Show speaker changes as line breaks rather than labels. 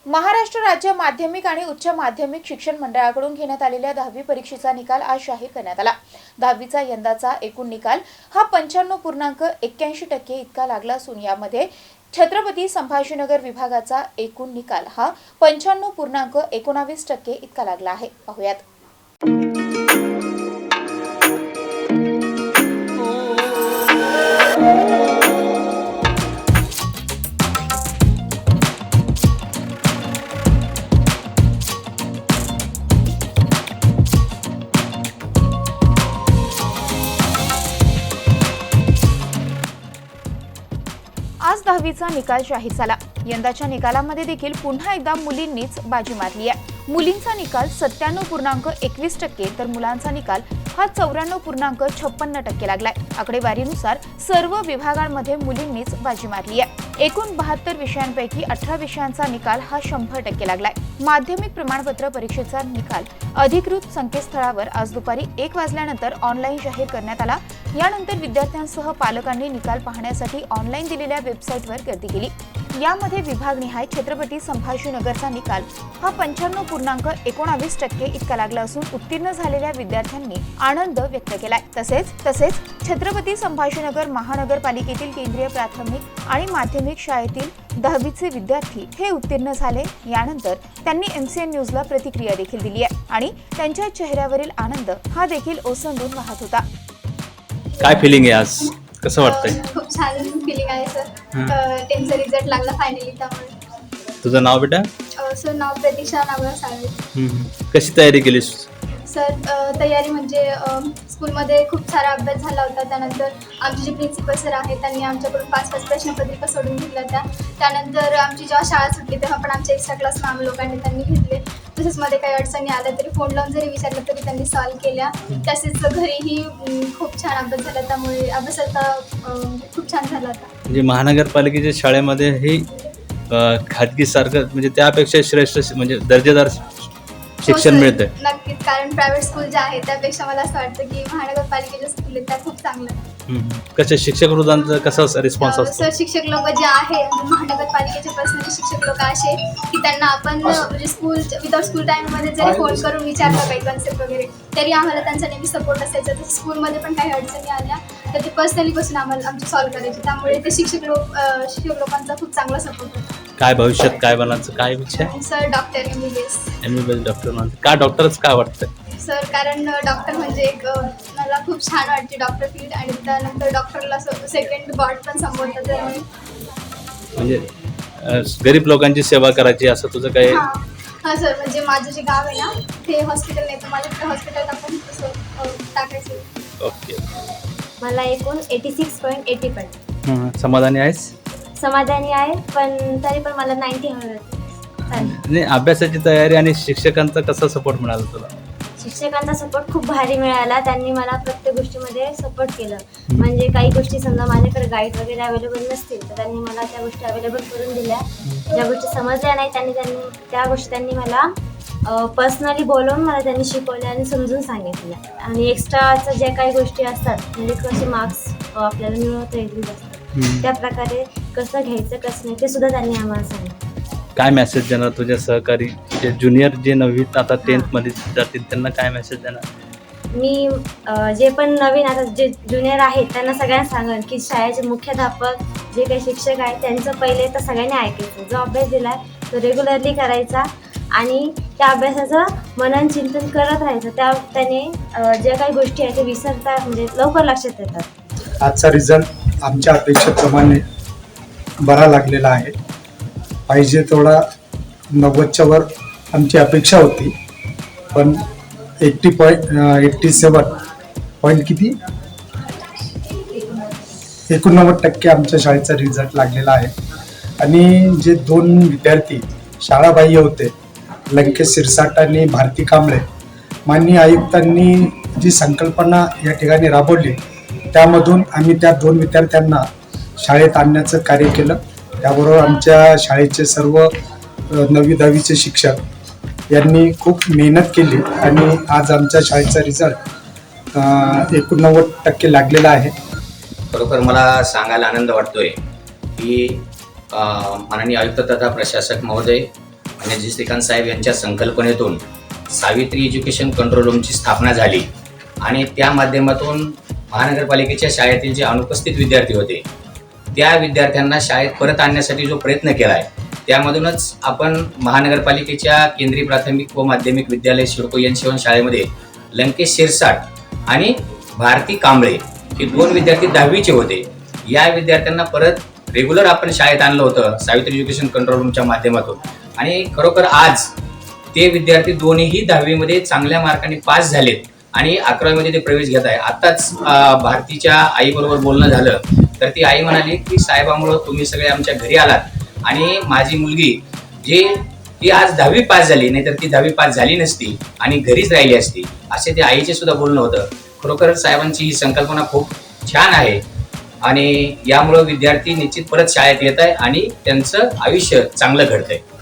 महाराष्ट्र राज्य माध्यमिक आणि उच्च माध्यमिक शिक्षण मंडळाकडून घेण्यात आलेल्या 10वी परीक्षेचा निकाल आज जाहीर करण्यात आला। 10वीचा यंदाचा एकूण निकाल हा 95.81% इतका लागला असून यामध्ये छत्रपती संभाजीनगर विभागाचा एकूण निकाल हा 95.19% इतका लागला आहे। पाहूयात। आज 10वीचा निकाल जाहीर झाला। यंदाच्या निकालामध्ये देखील पुन्हा एकदा मुलींनीच बाजी मारली आहे। मुलींचा निकाल 97.21% तर मुलांचा निकाल हा 94.56% लागलाय। आकडेवारीनुसार सर्व विभागांमध्ये मुलींनीच बाजी मारली आहे। एकूण 72 विषयांपैकी 18 विषयांचा निकाल हा 100% लागलाय। माध्यमिक प्रमाणपत्र परीक्षेचा निकाल अधिकृत संकेतस्थळावर आज दुपारी 1 वाजल्यानंतर ऑनलाईन जाहीर करण्यात आला। यानंतर विद्यार्थ्यांसह पालकांनी निकाल पाहण्यासाठी ऑनलाईन दिलेल्या वेबसाईटवर गर्दी केली। यामध्ये विभागनिहाय छत्रपती संभाजीनगरचा निकाल हा 95.19% इतका लागला असून उत्तीर्ण झालेल्या विद्यार्थ्यांनी आनंद व्यक्त केलाय। तसेच छत्रपती संभाजीनगर महानगरपालिकेतील केंद्रीय प्राथमिक आणि माध्यमिक शाळेतील 10वीचे विद्यार्थी हे उत्तीर्ण झाले। यानंतर त्यांनी MCN न्यूजला प्रतिक्रिया देखील दिली आहे आणि त्यांच्या चेहऱ्यावरील आनंद हा देखील ओसंडून वाहत होता।
काय फिलिंग आहे आज? कसं वाटतंय?
खूप छान फिलिंग आहे सर। 10चा रिझल्ट लागला फायनली। त्यामुळे
तुझं नाव बेटा?
सर नाव प्रतीक्षा नागराज साळवे।
कशी तयारी केलीस?
सर तयारी म्हणजे स्कूलमध्ये खूप सारा अभ्यास झाला होता। त्यानंतर आमचे जे प्रिन्सिपल सर आहेत त्यांनी आमच्याकडून 5-5 प्रश्नपत्रिका सोडून घेतल्या होत्या। त्यानंतर आमची जेव्हा शाळा सुटली तेव्हा पण आमच्या एक्स्ट्रा क्लास आम्ही लोकांनी त्यांनी घेतले। तसेच मध्ये काही अडचणी आल्या तरी फोन लावून जरी विचारलं तरी त्यांनी सॉल्व केल्या। तसेच घरीही खूप छान अभ्यास झाला, त्यामुळे अभ्यासाचा खूप छान झाला होता।
म्हणजे महानगरपालिकेच्या शाळेमध्ये हे खाजगीसारखं म्हणजे त्यापेक्षा श्रेष्ठ म्हणजे दर्जेदार शिक्षण मिळतंय।
नक्कीच, कारण प्रायव्हेट स्कूल ज्या आहेत त्यापेक्षा मला असं वाटतं की महानगरपालिकेच्या स्कूल आहेत त्या खूप चांगल्या आहेत।
कशा शिक्षक वृंदांचा कसा रिस्पॉन्स असतो?
सर शिक्षक लोक जे आहेत महानगरपालिकेचे पर्सनली शिक्षक लोक असे की त्यांना आपण म्हणजे स्कूल विदाउट स्कूल टाईममध्ये जरी फोन करून विचारलं काही कन्सेप्ट वगैरे तरी आम्हाला त्यांचा नेहमी सपोर्ट असायचा। तर स्कूलमध्ये पण काही अडचणी आल्या तर ते पर्सनली बसून आम्हाला आमची सॉल्व्ह करायची, त्यामुळे ते शिक्षक लोकांचा खूप चांगला सपोर्ट होता।
काय भविष्यात काय बनायचं काय इच्छा आहे?
सर डॉक्टर MBBS
डॉक्टर बनायचं का? डॉक्टरच का वाटतं
सर? कारण डॉक्टर म्हणजे एक मला खूप छान वाटते डॉक्टर फील्ड, आणि त्यानंतर डॉक्टरला सेकंड गॉड पण संबोधतात। त्यामुळे
म्हणजे गरीब लोकांची सेवा करायची असं तुझं काय?
हां सर, म्हणजे माझं जे गाव आहे ना ते हॉस्पिटल नाही, तर मला त्या हॉस्पिटलला पण तसं टाकायचं।
ओके,
मला एकूण 86.80 पडले।
समाधानी आहेस?
समाधानी आहे, पण तरी पण मला 90 हवे होते।
नाही, अभ्यासाची तयारी आणि शिक्षकांचा कसा सपोर्ट मिळाला तुला?
शिक्षकांचा सपोर्ट खूप भारी मिळाला। त्यांनी मला प्रत्येक गोष्टीमध्ये सपोर्ट केलं। म्हणजे काही गोष्टी समजा माझ्याकडे गाईड वगैरे अवेलेबल नसतील तर त्यांनी मला त्या गोष्टी अवेलेबल करून दिल्या। ज्या गोष्टी समजल्या नाही त्या गोष्टी त्यांनी मला पर्सनली बोलवून मला त्यांनी शिकवल्या आणि समजून सांगितल्या। आणि एक्स्ट्राच्या ज्या काही गोष्टी असतात म्हणजे कसे मार्क्स आपल्याला मिळवता येतील असतात त्या प्रकारे कसं घ्यायचं कसं नाही ते सुद्धा त्यांनी आम्हाला सांगितलं।
काय मेसेज देणार तुझ्या सहकारी जे ज्युनियर जे 9वीत आता 10th मध्ये जातील त्यांना काय मेसेज देणार?
मी जे पण नवीन आता जे ज्युनियर आहेत त्यांना सगळ्यांना सांगेन की शाळेचे मुख्याध्यापक जे काही शिक्षक आहेत त्यांचं पहिले तर सगळ्यांनी ऐकायचं। जो अभ्यास दिला आहे तो रेग्युलरली करायचा आणि त्या अभ्यासाचं मनन चिंतन करत राहायचं। त्याने ज्या काही गोष्टी आहेत ते विसरता म्हणजे लवकर लक्षात येतात।
आजचा रिझल्ट आमच्या अपेक्षेप्रमाणे बरा लागलेला आहे। पाहिजे तेवढा 90च्या वर आमची अपेक्षा होती, पण 87 पॉईंट किती 89% आमच्या शाळेचा रिझल्ट लागलेला आहे। आणि जे 2 विद्यार्थी शाळाबाह्य होते लंकेश सिरसाट आणि भारती कांबळे, माननीय आयुक्तांनी जी संकल्पना या ठिकाणी राबवली त्यामधून आम्ही त्या 2 विद्यार्थ्यांना शाळेत आणण्याचं कार्य केलं। त्याबरोबर आमच्या शाळेचे सर्व 9वी 10वीचे शिक्षक यांनी खूप मेहनत केली आणि आज आमच्या शाळेचा रिझल्ट 89% लागलेला आहे।
खरोखर मला सांगायला आनंद वाटतोय की माननीय आयुक्त तथा प्रशासक महोदय म्हणजे श्रीकांत साहेब यांच्या संकल्पनेतून सावित्री एज्युकेशन कंट्रोल रूमची स्थापना झाली आणि त्या माध्यमातून महानगरपालिकेच्या शाळेतील जे अनुपस्थित विद्यार्थी होते त्या विद्यार्थ्यांना शाळेत परत आणण्यासाठी जो प्रयत्न केला आहे त्यामधूनच आपण महानगरपालिकेच्या केंद्रीय प्राथमिक व माध्यमिक विद्यालय सिडको एन शिवन शाळेमध्ये लंकेश शिरसाट आणि भारती कांबळे हे 2 विद्यार्थी 10वीचे होते. या विद्यार्थ्यांना परत रेग्युलर आपण शाळेत आणलं होतं सावित्री एज्युकेशन कंट्रोल रूमच्या माध्यमातून आणि खरोखर आज ते विद्यार्थी दोन्हीही 10वीमध्ये चांगल्या मार्काने पास झालेत आणि 11वीमध्ये ते प्रवेश घेत आहे. आत्ताच भारतीच्या आईबरोबर बोलणं झालं तर ती आई म्हणाली की साहेबांमुळं तुम्ही सगळे आमच्या घरी आलात आणि माझी मुलगी ती आज 10वी पास झाली, नाहीतर ती 10वी पास झाली नसती आणि घरीच राहिली असती, असे ते आईचे सुद्धा बोलणं होतं. खरोखर साहेबांची ही संकल्पना खूप छान आहे आणि यामुळं विद्यार्थी निश्चित परत शाळेत येत आहे आणि त्यांचं आयुष्य चांगलं घडतंय.